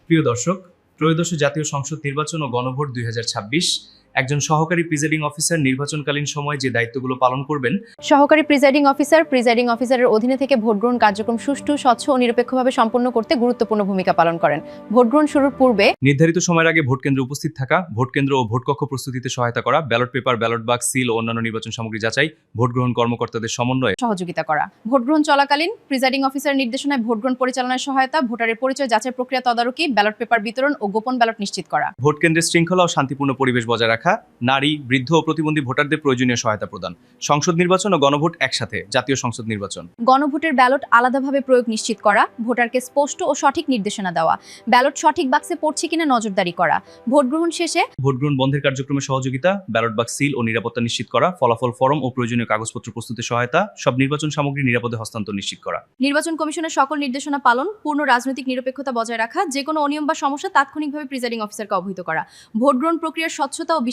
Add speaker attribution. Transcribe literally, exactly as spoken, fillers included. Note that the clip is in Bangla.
Speaker 1: প্রিয় দর্শক, ত্রয়োদশ জাতীয় সংসদ নির্বাচন ও গণভোট দুই হাজার ছাব্বিশ একজন সহকারী প্রিজাইডিং অফিসার নির্বাচনকালীন সময়ে যে দায়িত্বগুলো পালন করবেন।
Speaker 2: সহকারী প্রিজাইডিং অফিসার প্রিজাইডিং অফিসারের অধীনে থেকে ভোট গ্রহণ কার্যক্রম সুষ্ঠু, স্বচ্ছ ও নিরপেক্ষভাবে সম্পন্ন করতে গুরুত্বপূর্ণ ভূমিকা পালন করেন। ভোট গ্রহণ শুরুর পূর্বে
Speaker 1: নির্ধারিত সময়ের আগে ভোট কেন্দ্রে উপস্থিত থাকা, ভোট কেন্দ্র ও ভোট কক্ষ প্রস্তুতিতে সহায়তা করা, ballot paper, ballot box, seal ও অন্যান্য নির্বাচন সামগ্রী যাচাই, ভোট গ্রহণ কর্মকর্তাদের সমন্বয়ে
Speaker 2: সহযোগিতা করা। ভোট গ্রহণ চলাকালীন প্রিজাইডিং অফিসারের নির্দেশনায় ভোট গ্রহণ পরিচালনায় সহায়তা, ভোটারের পরিচয় যাচাই প্রক্রিয়া তদারকি, ব্যালট পেপার বিতরণ ও গোপন ব্যালট নিশ্চিত করা।
Speaker 1: ভোট কেন্দ্রের শৃঙ্খলা ও শান্তিপূর্ণ পরিবেশ বজায় রাখা, নারী, বৃদ্ধ ও প্রতিবন্ধী ভোটারদের প্রয়োজনীয় সহায়তা প্রদান। সংসদ নির্বাচন ও গণভোট একসাথে, জাতীয় সংসদ নির্বাচন।
Speaker 2: গণভোটের ব্যালট আলাদাভাবে প্রয়োগ নিশ্চিত করা, ভোটারকে স্পষ্ট ও সঠিক নির্দেশনা দেওয়া, ব্যালট সঠিক বাক্সে পড়ছে কিনা নজরদারি করা। ভোট গ্রহণ শেষে
Speaker 1: ভোট গ্রহণ বন্ধের কার্যক্রমে সহযোগিতা, ব্যালট বাক্স সিল ও নিরাপত্তা নিশ্চিত করা, ফলাফল ফরম ও প্রয়োজনীয় কাগজপত্র প্রস্তুতে সহায়তা, সব নির্বাচন সামগ্রী নিরাপদে হস্তান্তর নিশ্চিত করা।
Speaker 2: নির্বাচন কমিশনের সকল নির্দেশনা পালন, পূর্ণ রাজনৈতিক নিরপেক্ষতা বজায় রাখা, যে কোনো অনিয়ম বা সমস্যা তাৎক্ষণিকভাবে প্রিজাইডিং অফিসারকে অবহিত করা। ভোট গ্রহণ প্রক্রিয়ার স্বচ্ছতা ও